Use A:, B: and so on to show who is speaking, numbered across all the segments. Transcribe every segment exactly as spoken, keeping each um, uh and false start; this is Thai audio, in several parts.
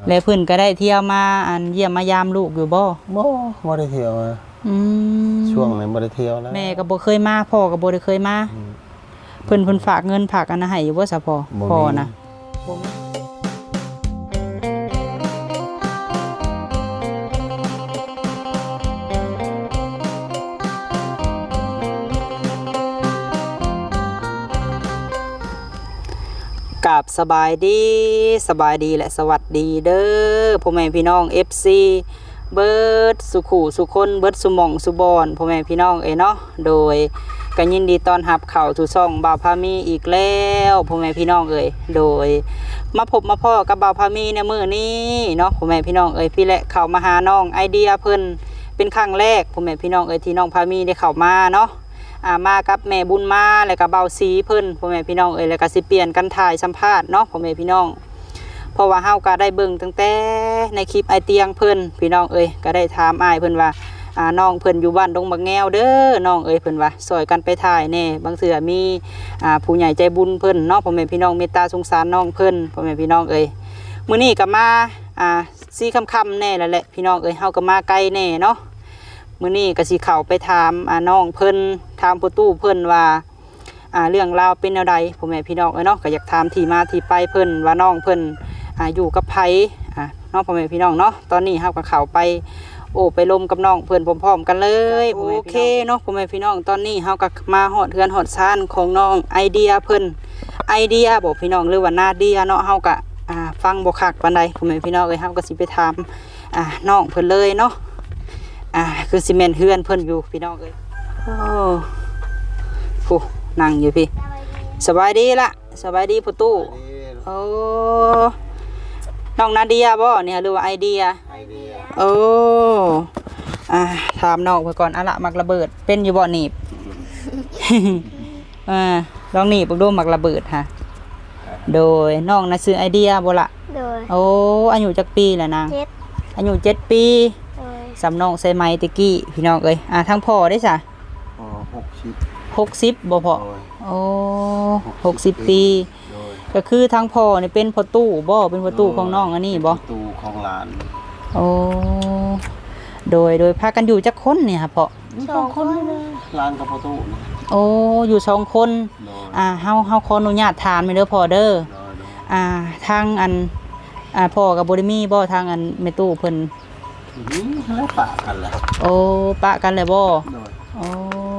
A: แล้วเพิ่นก็ได้เที่ยวมาอันเยี่ยมมายามลูกอยู่บ่
B: บ่บ่ได้เที่ยว
A: อืม
B: ช่วงนั้นบ่ได้เที่ยวแล้ว
A: แม่ก็บ่เคยมาพ่อก็บ่ได้เคยมาเพิ่นเพิ่นฝากเงินฝากอันนั้นให้อยู่บ่ซะพ่อพ่อนะบ่มีกับสบายดีสบายดีและสวัสดีเด้อพ่อแม่พี่น้อง เอฟ ซี เบิร์ดสุขุสุคนเบิร์ดสุมองสุบอนพ่อแม่พี่น้องเอ๋เนาะโดยก็ยินดีต้อนรับเข้าสู่ช่องบ่าวพามีอีกแล้วพ่อแม่พี่น้องเอ๋ยโดยมาพบมาพ่อกับบ่าวพามีในมื้อนี้เนาะพ่อแม่พี่น้องเอ๋ยพี่และเข้ามาหาน้องไอเดียเพิ่นเป็นครั้งแรกพ่อแม่พี่น้องเอ๋ยที่น้องพามีได้เข้ามาเนาะอ่ามากับแม่บุญมาแล้วก็เบาสีเพิ่นพ่อแม่พี่น้องเอ้ยแล้วก็สิเปลี่ยนกันถ่ายสัมภาษณ์เนาะพ่อแม่พี่น้องเพราะว่าเฮาก็ได้เบิ่งตั้งแต่ในคลิปไอเตียงเพิ่นพี่น้องเอ้ยก็ได้ถามอ้ายเพิ่นว่าอ่าน้องเพิ่นอยู่บ้านดงบักแงวเด้อน้องเอ้ยเพิ่นว่าซอยกันไปถ่ายแน่บางเทื่อมีอ่าผู้ใหญ่ใจบุญเพิ่นเนาะพ่อแม่พี่น้องเมตตาสงสารน้องเพิ่นพ่อแม่พี่น้องเอ้ยมื้อนี้ก็มาอ่าซี่ค่ำๆแน่แล้วแหละพี่น้องเอ้ยเฮาก็มาไกลแน่เนาะมื้อนี้ก็สิเข้าไปถามอ่าน้องเพิ่นถามผู้ตู้เพิ่นว่าอ่าเรื่องราวเป็นแนวใดพ่อแม่พี่น้องเอ้ยเนาะก็อยากถามที่มาที่ไปเพิ่นว่าน้องเพิ่นอ่าอยู่กับไผอ่าน้องพ่อแม่พี่น้องเนาะตอนนี้เฮาก็เข้าไปโอ้ไปลมกับน้องเพิ่นพร้อมๆกันเลยโอเคเนาะพ่อแม่พี่น้องตอนนี้เฮาก็มาฮอดเฮือนฮอดซ่านของน้องไอเดียเพิ่นไอเดียบ่พี่น้องหรือว่านาเดียเนาะเฮาก็อ่าฟังบ่คักปานใดพ่อแม่พี่น้องเอ้ยเฮาก็สิไปถามอ่าน้องเพิ่นเลยเนาะอ่าคือซีเมนต์เฮือนเพิ่นอยู่พี่น้องเอ้ยโอ้ผู้นั่งอยู่พี่สบายดีละสบายดีผู้ตู้โอ้น้องนาเดียบ่เนี่ยหรือว่าไอเดียไอเดียโอ้อ่าถามน้องไปก่อนอะละมักระเบิดเป็นอยู่บ่หนีบ อ่าลองหนีบดูมักระเบิดฮะโดยน้องน่ะซื้อไอเดียบ่ละโดยโอ้อายุจักปีแล้วนางอายุเจ็ดปีสำนองใส่ไม้ตะกี้พี่น้องเอ้ยอ่าทั้งพ่อได้จ้ะ
B: อ๋อหกสิบ
A: หกสิบบ่พ่อโอ้หกสิบปีก็คือทั้งพ่อนี่เป็นพ่อตู้บ่เป็นพ่อตู้ของน้องอันนี้บ่
B: ตู้ของหลาน
A: โอ้โดยโดยพากันอยู่จักคนเนี่ยครับพ่อ
B: สองคนหลานกับพ่อตู้
A: โอ้อยู่สองคนอ่าเฮาเฮาขออนุญาตถามเด้อพ่อเด้ออ่าทางอันอ่าพ่อกับบ่ได้มีบ่ทางอันแม่ตู้เพิ่น
B: แล้วปะกันแหละ
A: โอ้ปะกันเลยบ่โอ้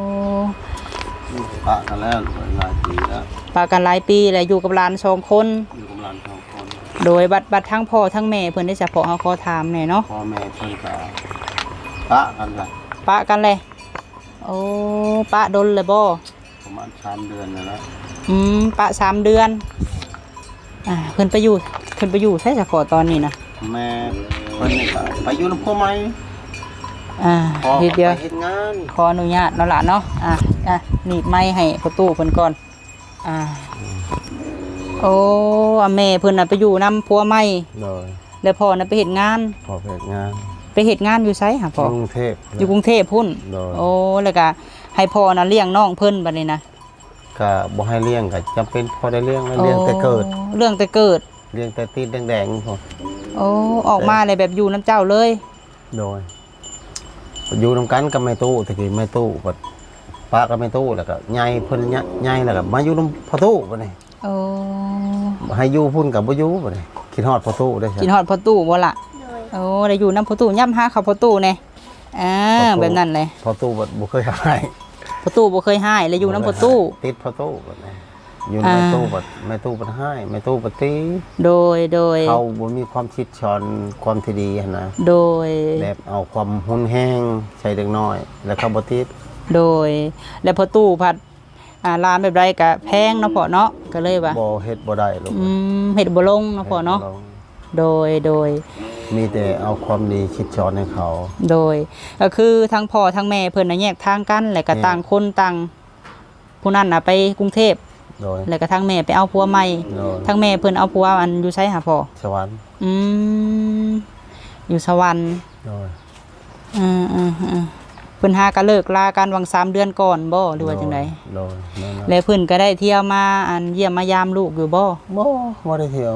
B: ปะกันแล้วหลายปีแล้ว
A: ปะกันหลายปีแล้วอยู่กับหลานสองคน
B: อยู่กับหลานสองคน
A: โดยบัดบัดทั้งพ่อทั้งแม่เพิ่นได้เฉพาะเฮาขอถามแหน่เนาะ
B: พ่อแม่เพิ่นก็ปะกันละ
A: ปะกันเลยโอ้ปะดนเลยบ่
B: ประมาณสามเดือนแล้ว
A: อืมปะสามเดือนอ่าเพิ่นไปอยู่เพิ่นไปอยู่ใช่เฉพาะตอนนี้นะ
B: แม่เพิ่นนี่ก็ไปอยู่นำพ่อใหม่
A: อ่าเดี๋ยว
B: เฮ็ดงาน
A: ขออนุญาตเนาะล่ะเนาะอ่ะอ่ะหนีบไม้ให้ประตูเพิ่นก่อนอ่าโอ้อาแม่เพิ่นน่ะไปอยู่นำผัวใหม่เลยแล้วพ่อน่ะไปเฮ็ดงาน
B: พ่อไปเฮ็ดงาน
A: ไปเฮ็ดงานอยู่ไสหาพ่อก
B: รุงเทพ
A: อยู่กรุงเทพพุ่นโอ้แล้วก็ให้พ่อน่ะเลี้ยงน้องเพิ่นบัดนี้นะ
B: ก็บ่ให้เลี้ยงก็จำเป็นพอได้เลี้ยงแล้วเลี้ยงแต่เกิด
A: เรื่องแต่เกิด
B: เลี้ยงแต่ตีนแดงๆพ่อ
A: โอ้ออกมาเลยแบบอยู่น้ำเจ้าเลย
B: โดยอยู่นำกันกับแม่ตู้ตะกี้แม่ตู้ก็ป้ากับแม่ตู้แล้วก็ใหญ่เพิ่นใหญ่แล้วก็มาอยู่นำพ่อตู้บัดนี้
A: โอ้
B: ให้อยู่พุ่นกับบ่อยู่บัดนี้คิดฮอดพ่อตู้ได้
A: คิดฮอดพ่อตู้บ่ล่ะโอ้ได้อยู่นำพ่อตู้ย่ำหาเขาพ่อตู้แน่อ่าแบบนั้นเลย
B: พ่อตู้บ่บ่เคยให้
A: พ่อตู้บ่เคยให้แล้วอยู่นำพ่อตู้
B: ติดพ่อตู้บัดนี้อยู่ในตู้บัดแม่ตู้บัดให้แม่ตู้บัดตี
A: โดยโดย
B: เขาบ่มีความคิดชอนความที่ดีหั่นนะ
A: โดย
B: แบบเอาความหุนแห้งใส่เด็กน้อยแล้วเขาบ่ติด
A: โดยแล้วพอตู้ผัดอ่าร้านแบบไรก็แพงเนาะพ่อเนาะก็เลยว่า
B: บ่เฮ็ดบ่ได้ลูก
A: อืมเฮ็ดบ่ลงเนาะพ่อเนาะโดยโดย
B: มีแต่เอาความดีคิดชอนให้เขา
A: โดยก็คือทั้งพ่อทั้งแม่เพิ่นน่ะแยกทางกันแล้วก็ต่างคนต่างผู้นั้นน่ะไปกรุงเทพแล้วก็ทั้งแม่ไปเอาผัวใหม่ทั้งแม่เพิ่นเอาผัวอันอยู่ไสหาพ่อ
B: สวรรค์
A: อืมอยู่สวรรค์
B: โดย
A: อือๆๆเพิ่นหาก็เลิกลากันวังสามเดือนก่อนบ่หรือว่าจังได๋
B: โดย
A: แล้วเพิ่นก็ได้เที่ยวมาอันเยี่ยมมายามลูกอยู่บ่
B: บ่บ่ได้เที่ยว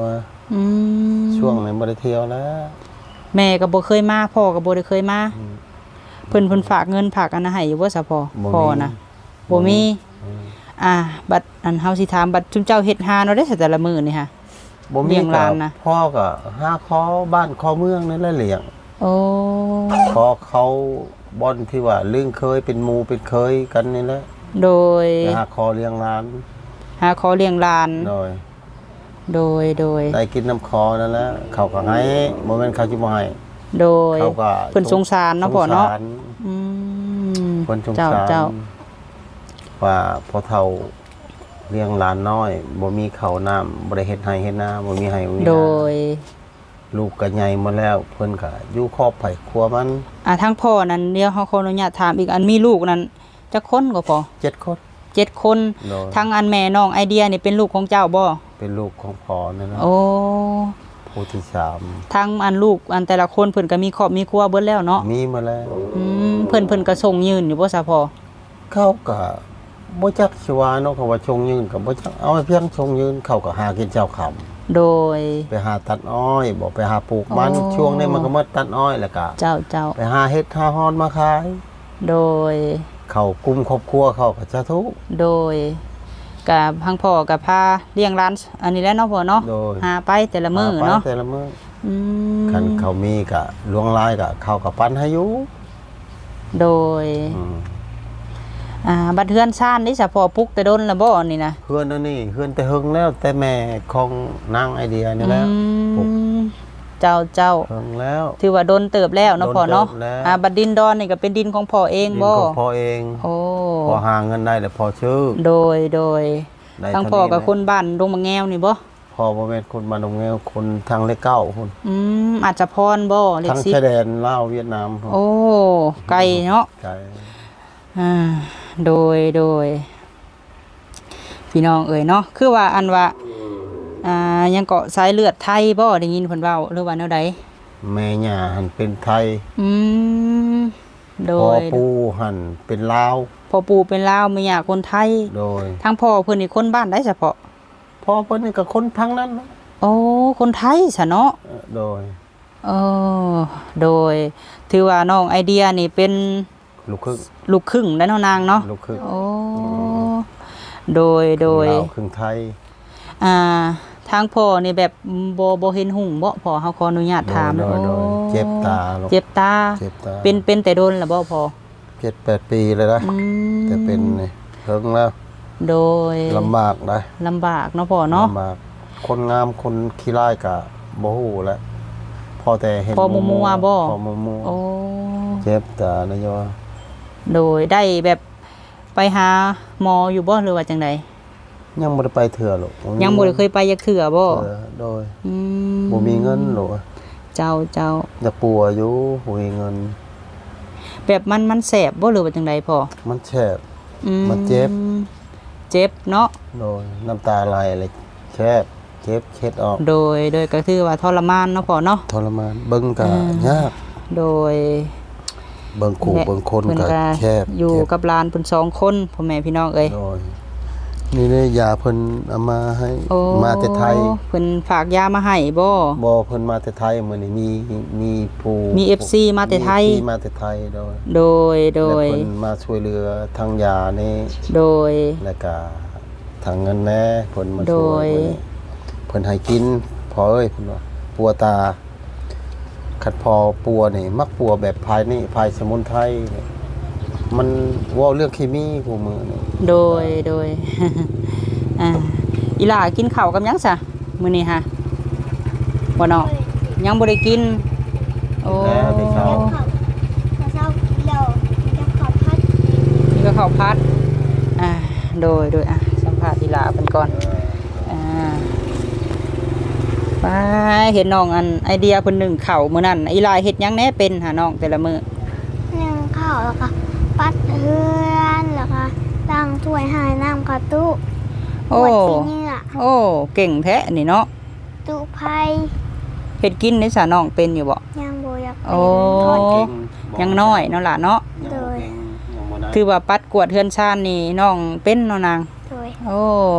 A: อืม
B: ช่วงนั้นบ่ได้เที่ยวแล้ว
A: แม่ก็บ่เคยมาพ่อก็บ่ได้เคยมา
B: อืม
A: เพิ่นเพิ่นฝากเงินฝากอันนั้นให้อยู่บ่ซะพ่อ
B: บ่มี
A: พ่อนะบ่มี
B: อืม
A: อ่า บัดอันเฮาสิถามบัดจุมเจ้าเฮ็ดหาเนาะได้แต่ละมื้อนี่ฮะ
B: บ่
A: เลี้
B: มี
A: ยงหลานนะ
B: พ่อก็หาคอบ้านคอเมืองนั่นแหละเลี้ยง
A: โอ้
B: พอเขาบ่อนที่ว่าลึงเคยเป็นหมู่เป็นเคยกันนี่แหละ
A: โดย
B: ไปหาคอเลี้ยงหลาน
A: หาขอเลี้ยงหลาน
B: โดย
A: โดยโดย
B: ได้กินน้ำคอนั่นแหละเขาก็ให้บ่แม่นเขาสิบ่ให้
A: โดย
B: เขาก็
A: เพิ่นสงสารเนาะพ่อเนาะ
B: สงสร
A: อืม
B: เพิ่นสง
A: เจ้า
B: สาร
A: เจ้า
B: ว่าพอเฒ่าเลี้ยงหลานน้อยบ่มีข้าวน้ำบ่ได้เฮ็ดไร่เฮ็ดนาบ่มีไร่บ่มีนา
A: โดย
B: ลูกก็ใหญ่หมดแล้วเพิ่นก็อยู่ครอบไผครัวมัน
A: อ่าทั้งพ่อนั้นเดี๋ยวเฮาขออนุญาตถามอีกอันมีลูกนั้นจักคนก็พอ
B: เจ็ดคน
A: เจ็ดคน
B: โดย
A: ทั้งอันแม่น้องไอเดียนี่เป็นลูกของเจ้าบ่
B: เป็นลูกของพ่อนั่นนะ
A: โอ้
B: ผู้ที่สาม
A: ทั้งอันลูกอันแต่ละคนเพิ่นก็มีครอบมีครัวเบิดแล้วเนาะ
B: มีมาแล้ว
A: อืมเพิ่นเพิ่นก็ส่งยืนอยู่บ่ซะพอ
B: เขาก็บ่จักสิว่าเนาะเขาว่าชงยืนก็บ่จักเอาไว้เพียงชงยืนเขาก็หากินเจ้าค่ำ
A: โดย
B: ไปหาตัดอ้อยบ่ไปหาปลูกมัน
A: อ๋อ
B: ช่วงนี้มันก็มาตัดอ้อยแล้วก็
A: เจ้าเจ้า
B: ไปหาเฮ็ดหาฮอนมาขาย
A: โดย
B: เขากลุ่มครอบครัวเขาก็จะทุกข์
A: โดยกับพังพ่อกับพาเลี้ยงร้าน อันนี้แหล้วเนาะพ่อเนาะ
B: โดย
A: หาไปแต่ละมื้อ
B: หไป
A: เนาะ
B: แต่ละมื้อ
A: อืม
B: คันเขามีก็ลวงลายก็เขาก็ปั้นให้อยู่
A: โดย
B: อืม
A: อ่าบัดเฮือนซ่านนี่ซะพ่อปลุกแต่ดนแล้วบ่นี่นะ
B: เฮือนอันนี้เฮือนแต่หึงแล้วแต่แม่ของนางไอเดียนี่แหล้ว
A: อืมเจ้าเจ้า
B: หึงแล้ว
A: ถือว่าโดนเติบแล้วเนาะพ่อเนาะ
B: โดนเติบแล้ว
A: อ่าบัดดินดอนนี่ก็เป็นดินของพ่อเอง
B: ดิน
A: บ่
B: ของพ่อเอง
A: โอ้
B: พอหาเงินได้แล้วพอชื่อ
A: โดยโดย
B: ได้
A: ทั้ง
B: เท่า
A: พ่อกับ
B: แหละ
A: คนบ้านดงมะแงวนี่บ่
B: พ่อบ่แม่นคนบ้านดงแงวคนทางเลขเก้าคน
A: อืมอาจจะพรบ่เลข
B: ทาง
A: สิบ
B: ชายแดนลาวเวียดนามพุ่น
A: โอ้ไกลเนาะ
B: ไกล
A: อ่าโดยโดยพี่น้องเอ่ยเนาะคือว่าอันว่าอ่ายังเกาะสายเลือดไทยบ่ได้ยินเพิ่นเว้าหรือว่าแนวใด
B: แม่ย่าหันเป็นไทย
A: อืมโด
B: พ่อย ปู่หันเป็นลาว
A: พ่อปู่เป็นลาวแม่ย่าคนไทย
B: โดย
A: ทั้งพ่อเพิ่นนี่คนบ้านได้เฉพาะ
B: พ่อเพิ่นนี่ก็คนทางนั้นนะ
A: โอ้คนไทยซะเนาะ
B: เออโดย
A: เออโดยถือว่าน้องไอเดียนี่เป็น
B: ลูกครึ่ง
A: ลูกครึ่งได้วเนาะนางเนาะ
B: ลูกครึ่ง
A: โอ้โดยโดย
B: ลาวครึ่งไทย
A: อ่าทางพ่อนี่แบบบ่บ่เห็นหุ่งบ่พ่อเฮาขออนุญาตถาม
B: โดยโดย
A: โอ้
B: เจ็บตาลูก
A: เจ็บตา
B: เจ็บตา
A: เป็นเป็นแต่โดนล่ะบ่พ่อ
B: เจ็ดแปดปีเลยนะ
A: อืม
B: แต่เป็นนี่เฮิงแล้ว
A: โดย
B: ลำบากนะ
A: ลำบากเนาะพ่อเนาะ
B: ลำบากคนงามคนขี้ร้ายกะบ่ฮู้แหละพอแต่เห็น
A: พอมัวๆบ่
B: พอมัว
A: โอ้
B: ๆเจ็บตานะโย
A: โดยได้แบบไปหาหมออยู่บ่หรือว่าจังได
B: ยังบ่ได้ไปเถื่อหรอก
A: ยังบ่ได้เคยไปยักเถื่อบ่
B: เออโดย
A: อืม
B: บ่มีเงินหรอก
A: เจ้าเจ้า
B: อยากปัวอยู่บ่มีเงิน
A: แบบมันมันแสบบ่หรือว่าจังไดพ่อ
B: มันแฉบ
A: อื
B: มันเจ็บ
A: เจ็บเนาะ
B: โดยน้ำตาไหลเลยแคบเจ็บเค็ดออก
A: โดยโดยก็คือว่าทรมานเนาะพ่อเนาะ
B: ทรมานเบิ่งก็
A: อืม
B: ยาก
A: โดย
B: เบิ่งขู่เบิ่งคน
A: เพิ่น
B: ก็
A: ก็
B: แคบ
A: อยู่
B: เจ็บ
A: กับหลานเพิ่นสองคนพ่อแม่พี่น้องเอ้ย
B: โดยนี่เนี่ยยาเพิ่นเอามาให้
A: โอ้
B: มาแต่ไทย
A: เพิ่นฝากยามาให้บ่
B: บ่เพิ่นมาแต่ไทยมื้อนี้มีมีผู้
A: มี เอฟ ซี มาแต่ไทย
B: มี เอฟซี มาแต่ไทยโดย
A: โดยโดย
B: และเพิ่นมาช่วยเหลือทางยานี่
A: โดย
B: แล้วก็ทางเงินแน่เพิ่นมา
A: โด
B: ช่วย
A: ย
B: มื้อนี้เพิ่นให้กินพอเอ้ยเพิ่นว่าปัวตาคัดพอปัวนี่มักปัวแบบภายนี่ภายสมุนไพรนี่มันเว้าเรื่องเคมีกูมือนี่
A: โดยโดย อ่าอีหล่ากินข้าวกับหยังซะมื้อนี้ฮะบ่เนาะยังบ่ได้กินโอ้
B: แล้วที่เขา
C: แล้วเช้าเราจะขอพัด
A: นี่ก็ข้าวผัดอ่าโดยโดยอ่ะสัมภาษณ์อีหล่าเพิ่นก่อนอ่าไปเห็นน้องอันไอเดียเพิ่นนึ่งข้าวมื้อนั้นอีหล่าเฮ็ดหยังแหน่เป็นหาน้องแต่ละมื้อ
C: เลี้ยงข้าวแล้วก็ปัดเฮือนแล้วก็ล้างถ้วยหายน้ำกระตุ
A: โอ้
C: ปวดที่เหงื่อ
A: โอ้เก่งแท้นี่เนาะ
C: ตุไผ่
A: เฮ็ดกินในสาน้องเป็นอยู่บ่
C: ยังโบอยากเป็น
A: โอ้
C: ทอด
B: เก่ง
A: ยังน้อยเนาะล่ะเนาะ
C: โดย
B: ยังบ่ได้
A: ถือว่าปัดกวาดเฮือนชานนี่น้องเป็นเนาะนาง
C: โดย
A: โอ้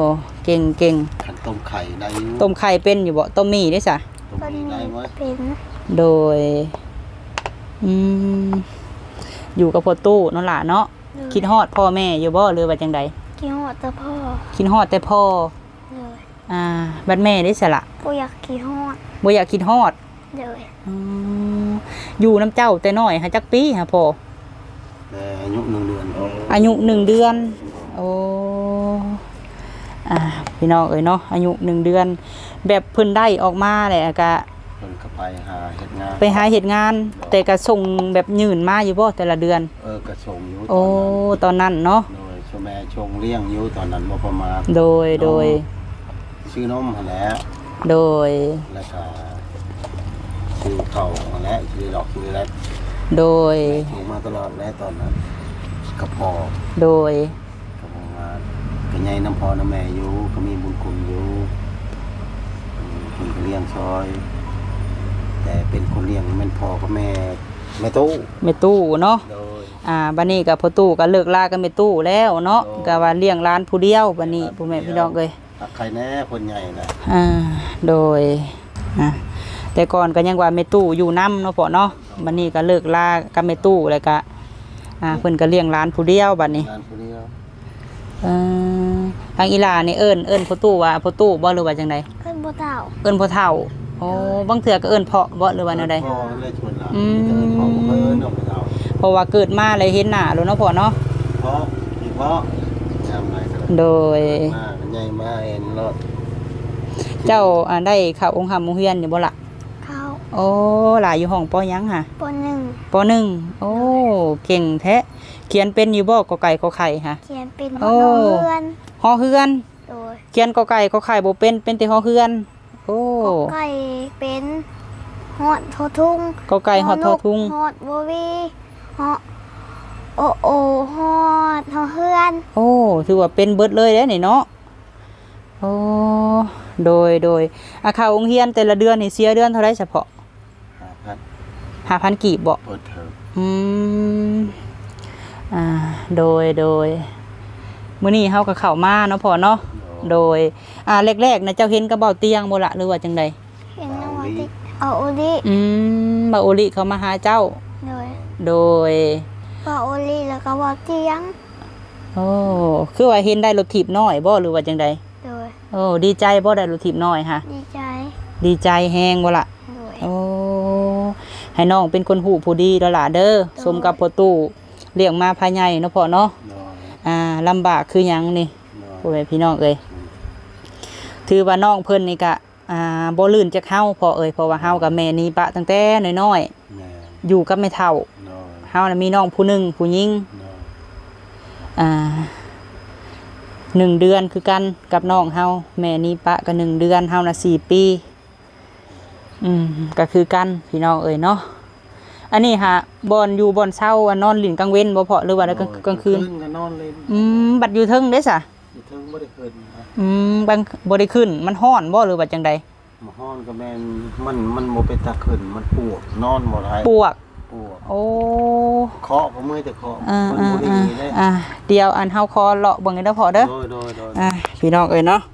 A: เก่งเก่ง
B: ขันต้มไข่ได้อยู่
A: ต้มไข่เป็นอยู่บ่ต้มหมี่ได้ซะ
B: ต้ม
C: ต้น
B: มี
C: นี้
B: ได้ไหม
C: เป็น
A: โดยอืมอยู่กับพ่อตู้นั่นล่ะเนาะคิดฮอดพ่อแม่อยู่บ่หรือว่าจังใด
C: กินหอดแต่พ่อ
A: คิดฮอดแต่พ่อ
C: เลย
A: อ่าบัดแม่ได้ซะละ
C: กูอยากกินหอด
A: บ่อยากคิดฮอด
C: เลย
A: อืมอยู่น้ำเจ้าแต่น้อยหาจักปีหาพ่อ
B: แต่อายุหนึ่งเดือน
A: อายุหนึ่งเดือนโอ้อ่าพี่น้องเอ้ยเนาะอายุหนึ่งเดือน แบบเพิ่นได้ออกมาแหละก็
B: เพิ่นก็ไปหาเฮ็ดงาน
A: ไปหาเฮ็ดงาน แต่ก็ส่งแบบยืนมาอยู่บ่แต่ละเดือน
B: เออกระส่งอยู่
A: โอ้ตอนนั้นเนาะ
B: โดยช่วแม่ชงเลี้ยงอยู่ตอนนั้นบ่ประมาณ
A: โดยโดย
B: ชื่อนมหั่นแหละ
A: โดย
B: แล้วก็ชื่อเขาหั่นแหละชื่อดอกชื่อแรก
A: โดย
B: ถูกมาตลอดแล้วตอนนั้นกับพ่อ
A: โดย
B: กับพ่อมาก็ใหญ่น้ำพ่อน้ำแม่อยู่ก็มีบุญคุณอยู่อืมเพิ่นก็เลี้ยงซอย แต่เป็นคนเลี้ยงแม่นพ่อกับแม่แม่ตู้
A: แม่ตู้เนาะ
B: โดย
A: อ่าบัดนี้ก็พ่อตู้ก็เลิกลากับแม่ตู้แล้วเนาะ
B: โอ้
A: ก็ว่าเลี้ยงหลานผู้เดียวบัดนี้พ่อแม่พี่น้องเอ้ย
B: ตักใครแน่คนใหญ่นะ
A: อ่าโดยอ่ะแต่ก่อนก็ยังว่าแม่ตู้อยู่นำเนาะพ่อเนาะบัดนี้ก็เลิกลากับแม่ตู้แล้วก็อ่าเพิ่นก็เลี้ยงหลานผู้เดียวบัดนี้
B: งานคนเดียว
A: เออทางอีหลานี่เอิ้นเอิ้นพ่อตู้ว่าพ่อตู้บ่หรือว่าจังได
C: ขึ้นบ่เต่า
A: เอิ้นพ่อเฒ่าโอ้บางเทื่อก็เอิ้นเพาะบ่หรือว่าแนวใด
B: พ่อเลยชวนเรา
A: อืม
B: เดินพ่อก็เอิ้นออกไปเอา
A: เพราะว่าเกิดมาเลยเห็นหน้าแล้วเนาะพ่อเนาะ
B: พ่อพี่พ่อจำไรกัน
A: โดย
B: มาใหญ่มาเอ็นรถ
A: เจ้าอ่าได้เข้าองค์ธรรมโรงเรียนอยู่บ่ล่ะ
C: เข้า
A: โอ้หลายอยู่ห้องปอหยังค่ะ
C: ปหนึ่ง
A: ปหนึ่งโอ้เก่งแท้เขียนเป็นอยู่บ่กอไก่ขอไข่ค่ะ
C: เขียนเป็น
A: โอ้
C: น้องเพื่อน
A: ฮอเฮือน
C: โดย
A: เขียนกอไก่ขอไข่บ่เป็นเป็นแต่ฮอเฮือนโอ้
C: กอไก่เป็นหอดทอทุ่ง
A: กอไก่ฮอดทอทุ่ง
C: หอดบวีหอดโอโอหอดหอเฮือน
A: โอ้ถือว่าเป็นเบิดเลยเด้นี่เนาะโอ้โดยโดยอาคาองค์เรียนแต่ละเดือนนี่เสียเดือนเท่าไรเฉพาะ
B: หาพัด
A: ห้าพันกีบบ่
B: เปิดเทอม
A: อืมอ่าโดยโดยมื้อนี้เฮาก็เข้ามาเนาะพ่อเนาะโดยอ่าแรกๆนะเจ้าเห็นกระเป๋าเตียงบ่ล่ะหรือว่าจังใด
C: เห็นน้องว่าติเอาโอลิ
A: อืมบาโอลิเขามาหาเจ้า
C: โดย
A: โดย
C: ว่าโอลิแล้วก็ว่าเตียง
A: โอ้คือว่าเห็นได้รถถีบน้อยบ่หรือว่าจังใด
C: โดย
A: โอ้ดีใจบ่ได้รถถีบน้อยค่ะ
C: ดีใจ
A: ดีใจแฮงบ่ล่ะ
C: โดย
A: โอ้ให้น้องเป็นคนหูผู้ดีแล้วล่ะเด้อสมกับพ่อตู้เลี้ยงมาภายในเนาะพ่อเนาะ
B: นอน
A: อ่าลำบากคือหยังนี่
B: นอน
A: พ่อแม่พี่น้องเอ้ยถือว่าน้องเพิ่นนี่ก็อ่าบ่ลื่นจักเฮาพ่อเอ้ยเพราะว่าเฮากับแม่นี่ปะตั้งแต่น้อย
B: แม่
A: ๆอยู่กับแม่เฒ่า
B: นอน
A: เฮาน่ะมีน้องผู้หนึงผู้หญิง
B: นอน
A: อ่าหนึ่งเดือนคือกันกับน้องเฮาแม่นี่ปะก็หนึ่งเดือนเฮาน่ะสี่ปีอืมก็คือกันพี่น้องเอ้ยเนาะอันนี้ฮะบอนอยู่บอนเช้าอันนอนหลินกลางเว้นบ่พอหรือว่าแล้วกลางกลางคืน
B: ก็นอนเลย
A: อืมบัดอยู่เทิงเด้ซะ
B: อยู่เทิงบ่ได้คืนนะ
A: อืมบางบ่ได้ขึ้นมันฮ้อนบ่หรือว่าจังใด
B: มาฮ้อนก็แม่นมันมันบ่เป็นตาขึ้นมันปวดนอนบ่ได้
A: ปวก
B: ปวด
A: โอ้
B: เคาะก็เมื่อยแต่เคาะ
A: อ่า
B: มัน
A: อ่า
B: บ่ได้
A: อ่า
B: เลย
A: อ่าเดี๋ยวอันเฮาคอเลาะเบิ่งให้เด้อพอเด้อ
B: โดยโดยโดย
A: อ่าพี่น้องเอ้ยเนาะ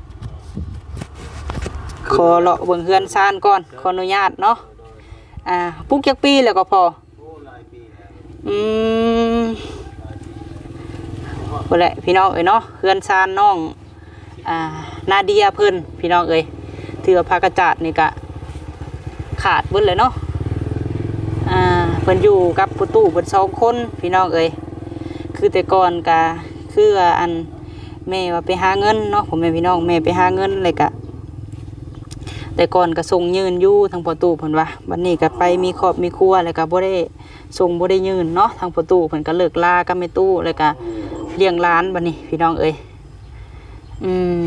A: ขอเลาะเบิ่งเฮือนซ่านก่อนขออนุญาตเนาะอ่าปลูกจักปีแล้วก็พอ
B: โอ้หลายปีแล้ว
A: อืมพุ่นแหละพี่น้องเอ้ยเนาะเฮือนซ่านน้องอ่านาเดียเพิ่นพี่น้องเอ้ยถือว่าผ้ากระจาดนี่ก็ขาดเบิดเลยเนาะอ่าเพิ่นอยู่กับผู้ตู้เพิ่นสองคนพี่น้องเอ้ยคือแต่ก่อนก็คือว่าอันแม่ว่าไปหาเงินเนาะผมแม่พี่น้องแม่ไปหาเงินเลยก็แต่ก่อนก็ส่งยืนอยู่ทางประตูเพิ่นว่าบัดนี้ก็ไปมีครอบมีครัวแล้วก็บ่ได้ส่งบ่ได้ยืนเนาะทางประตูเพิ่นก็เลิกลากับแม่ตู้แล้วก็เลี้ยงหลานบัดนี้พี่น้องเอ้ยอืม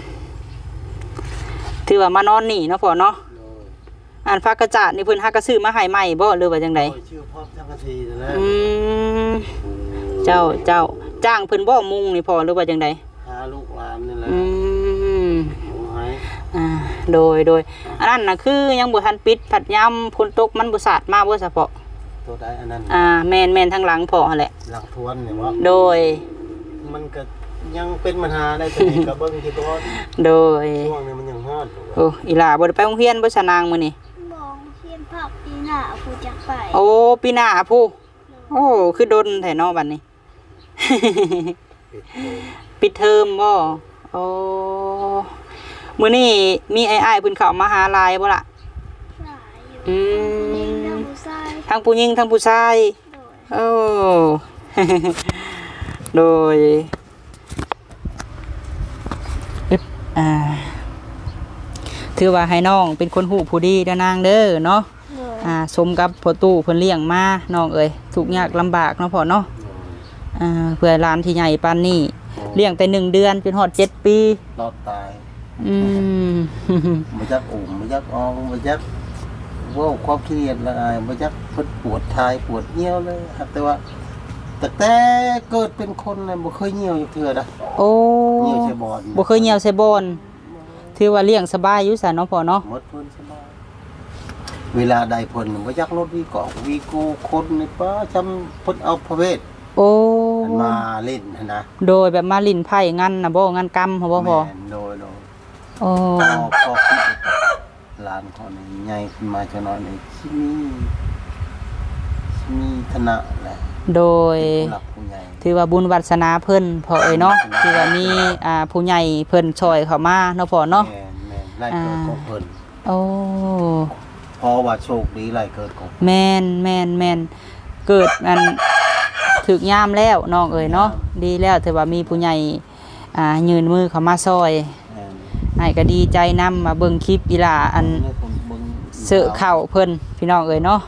A: ถือว่ามานอนนี่เนาะพ่อเนาะอันฟ้ากระจาดนี่เพิ่นหากระซื้อมาให้ใหม่บ่หรือว่าจังได
B: โอ้ยชื่อพ่อจังกะทีนั่นแหละ
A: อืมเจ้าเจ้าจ้างเพิ่นบ่มุงนี่พ่อหรือว่าจังได
B: หาลูกหลานนี่แหละ
A: อืม
B: เอาให้
A: อ่าโดยโดยอันนั้นน่ะคือยังบ่ทันปิดผัดยามฝนตกมันบ่สาดมาบ่เฉพาะ
B: ตัวใดอันนั้น
A: อ่าแม่นแม่นทางหลังพ่อหั่นแหละ
B: หลักทวนเนี่ยว่า
A: โดย
B: มันก็ยังเป็นปัญหาได้แต่นี่ก็เบิ่งที่ก่อน
A: โดย
B: ช่วงนี้มันยังฮอดอยู่
A: โอ้อีหล่าบ่ได้ไปโรงเรียนบ่ชะนางมื้อนี้
C: มองเทียนผักปีหน้ากูจะไป
A: โอ้ปีหน้าผู้โอ้คือดนแท้เนาะบัดนี้ ปิดเทอมบ่โอ้มื้อนี้มีอ้ายๆเพิ่นเข้ามาหาหลายบ่ล่ะ
C: หลายอยู่
A: อื
C: ยิง
A: ม
C: น้ำผู้ชาย
A: ทั้งผู้หญิงทั้งผู้ชาย
C: โดย
A: โอ้ โดยอึ๊บอ่าถือว่าให้น้องเป็นคนหูผู้ดีเด้อนางเด้อเนาะ
C: โดย
A: อ่าสมกับพ่อตู้เพิ่นเลี้ยงมาน้องเอ้ยทุกข์ยากลำบากเนาะพ่อเนาะอ่าเพื่อหลานที่ใหญ่ปานนี้เลี้ยงแต่หนึ่งเดือนจนฮอดเจ็ดปี
B: รอดตาย
A: อืม
B: บ่จักอุ่มบ่จักอองบ่จักเว้าความเครียดละอายบ่จักเพิ่นปวดทายปวดเหี่ยวเลยครับแต่ว่าตั้งแต่เกิดเป็นคนน่ะบ่เคยเหี่ยวอยู่เทื่อนะ
A: โอ้
B: เหี่ยวใส่บอล
A: บ่เคยเหี่ยวใส่บอนถือว่าเลี้ยงสบายอยู่ซะเนาะพ่อเนาะ
B: หมดเพิ่นสบายเวลาใดเพิ่นบ่จักรถวีกอกวีกูคนนี่ป้าจำเพิ่นเอาพระเวท
A: โอ้
B: มันมาเล่นหั่นนะ
A: โดยแบบมาลิ้นไผ่งันน่ะบ่งันกำเขาบ่พ่อ
B: แม่นโดยโดย
A: โอ้
B: พอพอคิดหลานเขานี่ใหญ่ขึ้นมาจังน้อยนี่สิมีสิมีฐานะแหละ
A: โดย
B: ผู้หลักผู้ใหญ่
A: ถือว่าบุญวาสนาเพิ่นพ่อเอ้ยเนาะที่ว่ามีอ่าผู้ใหญ่เพิ่นช่วยเข้ามาเนาะพ่อเนาะ
B: แม่นแม่นไล่เกิดของเพิ่น
A: โอ้
B: เพราะว่าโชคดีไล่เกิดของ
A: แม่นแม่นแม่นเกิดอันถึกยามแล้วน้องเอ้ยเนาะดีแล้วถือว่ามีผู้ใหญ่อ่ายืนมือเข้ามาซอย
B: แม่น
A: ให้ก็ดีใจนำมาเบิ่งคลิปอีหล่าอัน
B: เนี่ยผมเบิ่ง
A: เสื้อเข้าเพิ่นพี่น้องเอ้ยเนาะ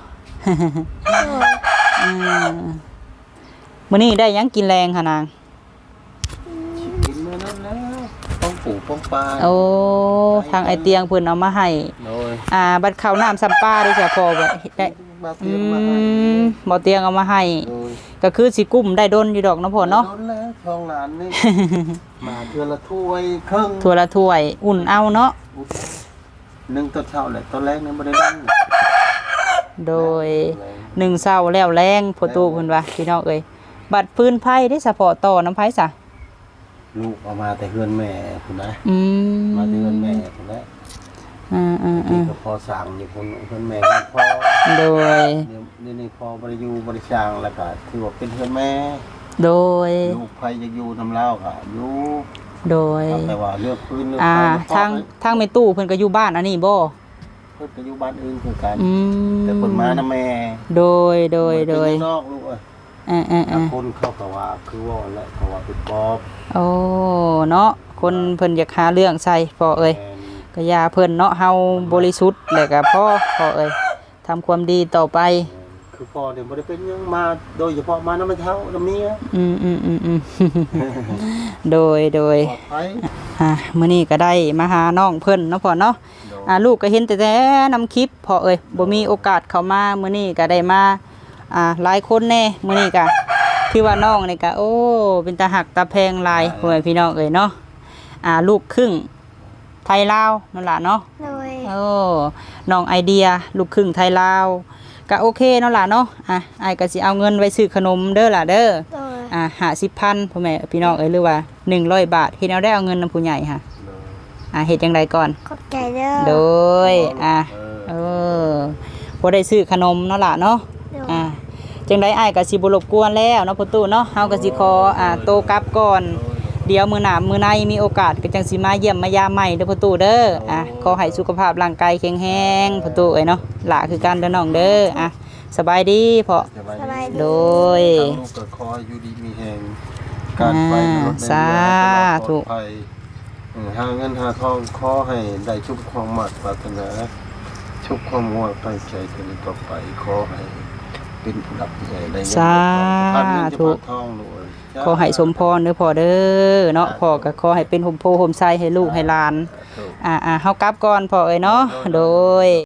A: อืมมื้อนี้ได้หยังกินแรงค่ะนาง
B: กินมื้อนั้นแล้วป้องปู่ป้องปลา
A: โอ้ทางไอเตียงเพิ่นเอามาให้
B: โดย
A: อ่าบัดข้าวน้ำซัมป้าด้วยจ้ะพ่อบ่ได้
B: มา
A: อื
B: เตียงมาให้
A: มบ่เตียงเอามาให้
B: โดย
A: ก็คือสิกุ้มได้ดนอยู่ดอกเนาะพ่อเนาะ
B: โดนแล้วทองหลานนี่ มาเทือละถ้วยครึ่ง
A: ถ้วยละถ้วย อุ่นเอาเนาะ
B: หนึ่งตอนเช้าแหละตอนแรกนี่บ่ได้นั่ง
A: โดยหนึ่งเช้าแล้วแรงพ่อตู่เพิ่นว่าพี่น้องเอ้ยบัดพื้นไผได้สะพอต่อน้ำไผซะ
B: ลูกเอามาแต่เฮือนแม่พุ่นนะ
A: อืม
B: มาแต่เฮือนแม่พุ่นนะ
A: อ่า
B: ที่
A: ๆ
B: ก็พอสั่งอยู่พุ่นเฮือนแม่พอ
A: ๆโดย
B: เดี๋ยวเดี๋ยวนี้พอบ่ได้อยู่บ่ได้สร้างแล้วก็ถือว่าเป็นเฮือนแม่
A: โดย
B: ลูกไผจะอยู่นำเล่าก็อยู่
A: โดย
B: แต่ว่าเลือกพื้นเลือก
A: อ่า
B: ไฟ
A: ทางทางแม่ตู้เพิ่นก็อยู่บ้านอันนี้บ่
B: เพิ่นก็อยู่บ้านอื่นคือกัน
A: อืม
B: แต่เพิ่นมานํแม่
A: โดยโดยโดย
B: เพิ่นเป็นนอกลูกเอ้ย
A: อ่าอ่า
B: แต่
A: อ่า
B: คนเขาก็ว่าคือว่าแหละเขาว่าเป็นปอบ
A: โอ้เนาะคนเพิ่นอยากหาเรื่องใส่พอเอ้ย
B: แม่น
A: ก็อย่าเพิ่นเนาะเฮาบริสุทธิ์แล้วก็พอพอเอ้ยทำความดีต่อไป
B: คือพ่อเนี่ยบ่ได้เป็นหยังมาโดยเฉพาะมาน้ำมันเท้าน้ำเมีย
A: อืมอืมอืมอืม โดยโดย
B: ปลอดภัย
A: อ่ะมื้อนี้ก็ได้มาหาน้องเพิ่นเนาะพ่อเนาะอ่าลูกก็เห็นแต่แต่นำคลิปพอเอ้ยบ่มีโอกาสเข้ามามื้อนี้ก็ได้มาอ่าหลายคนแน่มื้อนี้ก็ที่ว่าน้องนี่ก็โอ้เป็นตาหักตาแพงหลายพ่อแม่พี่น้องเอ้ยเนาะอ่าลูกครึ่งไทยลาวนั่นล่ะเนาะ
C: โดย
A: โอ้น้องไอเดียลูกครึ่งไทยลาวก็โอเคเนาะล่ะเนาะอ่ะอ้ายก็สิเอาเงินไว้ซื้อขนมเด้อล่ะเด้อ
C: โดย
A: อ่ะห้าสิบพันพ่อแม่พี่น้องเอ้ยหรือว่าหนึ่งร้อยบาทเฮ็ดเอาได้เอาเงินนำผู้ใหญ่ค่ะอ่ะเฮ็ดจังไดก่อน
C: ขอบใจเด้อ
A: โดยอ่ะ
B: เอ
A: เอ
B: อ
A: อบ่ได้ซื้อขนมเนาะล่ะเนาะ
C: โดย
A: อ่ะจังไดอ้ายก็สิบ่รบกวนแล้วเนาะพ่อตู้เนาะเฮาก็สิขออ่าโตกลับก่อนเดี๋ยวมื้อหน้ามื้อในมีโอกาสก็จังสิมาเยี่ยมมายามใหม่เด้อพ่อตู้เด้ออ่ะขอให้สุขภาพร่างกายแข็งแรงพ่อตู้เอ้ยเนาะหล่ะคือกันเด้อน้องเด้ออ่ะสบายดีพ่อ
B: สบาย
C: สบาย
B: ดี
C: ดี
A: โดย
B: ทางลูกก็คอยอยู่ดีมีแหงการไปในรถใน
A: สา
B: เรือ
A: ธุ
B: ปลอดภัยเออหาเงินหาทองขอให้ได้ชุบความหมัดปรารถนาชุบความหัวตั้งใจกันต่อไปขอให้เป็นผู้รับผู้ใหญ่ได้เงิน
A: สา
B: พันเงินจะ
A: ธุ
B: พันทองด้วย
A: ขอให้สมพรเด้อพ่อเด้อเนาะพ่อก็ขอให้เป็นห่มโพห่มไส้ให้ลูกให้หลาน อ่าอ่าเฮากลับก่อนพ่อเอ้ยเนาะโดย